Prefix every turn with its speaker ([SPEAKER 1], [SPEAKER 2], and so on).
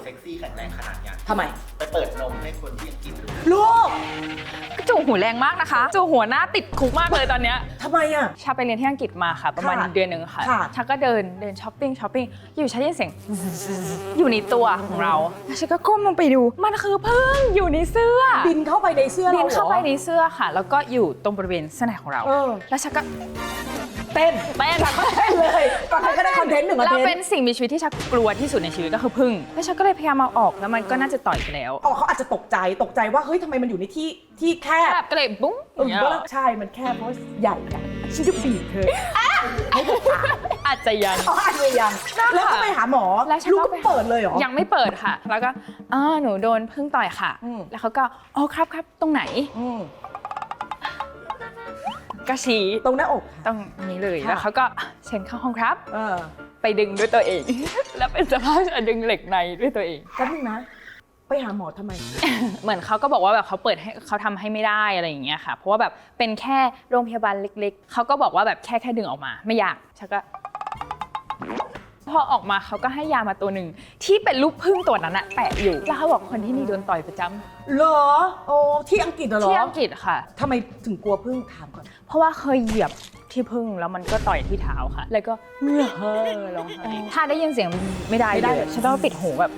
[SPEAKER 1] ซ็กซี่แข็งแรงขนาดเนี้ย
[SPEAKER 2] ทำไม
[SPEAKER 1] ไปเปิดนมให้คนที่อังกฤษดู
[SPEAKER 2] ลูก
[SPEAKER 3] จูหูแรงมากนะคะจูหัวหน้าติดคุกมากเลยตอนเนี้ย
[SPEAKER 2] ทำไมอ่ะ
[SPEAKER 3] ชาไปเรียนที่อังกฤษมาค่ะประมาณ
[SPEAKER 2] ค่ะ
[SPEAKER 3] เดือนหนึ่งค่ะ
[SPEAKER 2] ค่ะ
[SPEAKER 3] ชาก็เดินช้อปปิ้งอยู่ชาได้ยินเสียงอยู่ในตัวของเราแล้วฉันก็ก้มลงไปดูมันคือพึ่งอยู่ในเสื้อ
[SPEAKER 2] บินเข้าไปในเสื้อเรา
[SPEAKER 3] บินเข้าไป
[SPEAKER 2] หรอ
[SPEAKER 3] ในเสื้อค่ะ แล้วก็อยู่ตรงบริเวณเสื้อในของเรา
[SPEAKER 2] เออ
[SPEAKER 3] แล้วฉันก็
[SPEAKER 2] เต้น
[SPEAKER 3] เต้น
[SPEAKER 2] เต้นเลยตอนนั้นก็ได้คอนเทนต์หนึ่งคอน
[SPEAKER 3] เรา
[SPEAKER 2] เทน
[SPEAKER 3] เป็น
[SPEAKER 2] ต์
[SPEAKER 3] สิ่งมีชีวิตที่ชักกลัวที่สุดในชีวิตก็คือพึ่งแล้วฉันก็เลยพยายามเอาออกแล้วมันก็น่าจะต่อยไปแล้ว
[SPEAKER 2] อ๋อเขาอาจจะตกใจว่าเฮ้ยทำไมมันอยู่ในที่แคบ
[SPEAKER 3] แบบก็เลยบุ้งอย่างเงี้ย
[SPEAKER 2] ใช่มันแคบเพราะใหญ่อะฉันจะบีบเธอให้เธอขาด
[SPEAKER 3] อาจจะยัง
[SPEAKER 2] อ๋ออาจจะยังแล้วก็ไปหาหมอ
[SPEAKER 3] แล้วฉัน
[SPEAKER 2] ลูก
[SPEAKER 3] ก็
[SPEAKER 2] ก็
[SPEAKER 3] ไป
[SPEAKER 2] เปิดเลยเหรอ
[SPEAKER 3] ยังไม่เปิดค่ะ แล้วก็หนูโดนพึ่งต่อยค่ะ
[SPEAKER 2] อืม
[SPEAKER 3] แล้วเขาก็อ๋อครับตรงไหน
[SPEAKER 2] อืม
[SPEAKER 3] ก็ชี้
[SPEAKER 2] ตรงหน้าอก
[SPEAKER 3] ตรงนี้เลย
[SPEAKER 2] ค่ะ
[SPEAKER 3] แล้วเขาก็เชิญเข้าห้องครับ
[SPEAKER 2] เออ
[SPEAKER 3] ไปดึงด้วยตัวเอง แล้วเป็นสภาพดึงเหล็กในด้วยตัวเอง
[SPEAKER 2] แป๊บนึงนะ ไปหาหมอทำไม
[SPEAKER 3] เหมือนเขาก็บอกว่าแบบเขาเปิดให้เขาทำให้ไม่ได้อะไรอย่างเงี้ยค่ะ เพราะว่าแบบเป็นแค่โรงพยาบาลเล็กๆเขาก็บอกว่าแบบแค่ดึงออกมาไม่อยากฉันก็พอออกมาเขาก็ให้ยามาตัวหนึ่งที่เป็นลูกผึ้งตัวนั้นอะแปะอยู่แล้วเขาบอกคนที่นี่โดนต่อยประจำ
[SPEAKER 2] เหรอ โอ้ที่อังกฤษเหรอ
[SPEAKER 3] ที่อังกฤษค่ะ
[SPEAKER 2] ทำไมถึงกลัวพึ่งถามก่อน
[SPEAKER 3] เพราะว่าเคยเหยียบที่พึ่งแล้วมันก็ต่อยที่เท้าค่ะ แล้วก็เฮ้อร้องไห้ถ้าได้ยินเสียงไม่ได้เลยฉันต้องปิดหูแบบ